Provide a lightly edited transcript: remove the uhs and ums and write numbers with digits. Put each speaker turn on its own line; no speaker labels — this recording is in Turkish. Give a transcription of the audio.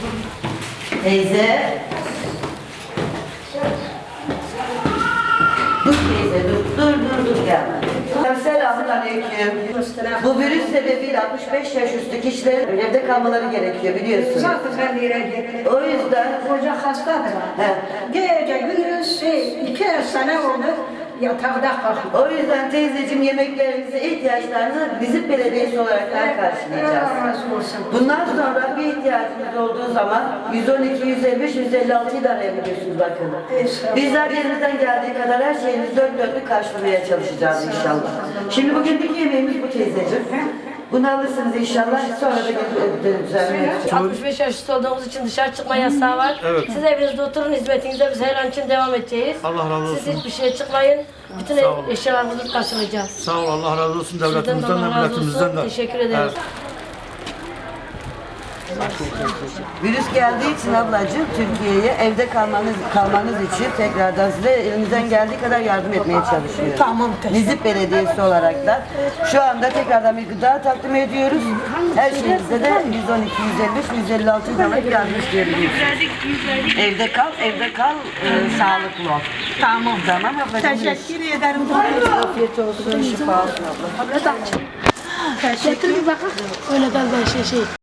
Teyze. Dur teyze, dur gelme. Selamünaleyküm. Bu virüs sebebiyle 65 yaş üstü kişilerin evde kalmaları gerekiyor biliyorsunuz. O yüzden
Koca hastadır. Gece gündüz 2 sene oldu yatakta kalkıyor.
O yüzden teyzeciğim yemeklerinizi, ihtiyaçlarınızı bizim belediyesi olarak karşılayacağız.
Allah razı olsun.
Bundan sonra bir ihtiyacınız olduğu zaman 112, 155, 156'yı da arayabiliyorsunuz bakın. Bizler elimizden geldiği kadar her şeyimizi dört dörtlük karşılamaya çalışacağız inşallah. Şimdi bugünkü yemeğimiz bu teyzeciğim. Bunu alırsınız inşallah. Sonra da düzenleyeceğiz.
65 yaş üstü olduğumuz için dışarı çıkma yasağı var.
Evet.
Siz evinizde oturun, hizmetinize biz her an için devam edeceğiz.
Allah razı olsun.
Siz hiçbir şeye çıkmayın. Bütün
Sağ olun.
eşyalarınızı karşılayacağız.
Sağ ol, Allah razı olsun
Sizden de
devletimizden de
Allah razı
milletimizden
olsun.
de.
Teşekkür ederiz.
Evet.
Virüs geldiği için ablacığım Türkiye'ye evde kalmanız için tekrardan size elimizden geldiği kadar yardım etmeye çalışıyoruz.
Tamam,
Nizip Belediyesi olarak da şu anda tekrardan bir gıda takdim ediyoruz. Her şeyimizde de 112, 155, 156 olarak yardım istiyoruz. Evde kal, sağlıklı ol.
Tamam.
Tamam ablacığım.
Teşekkür ederim.
Afiyet olsun, şifa olsun abla.
Getir bir bakın. Öyle galiba şey.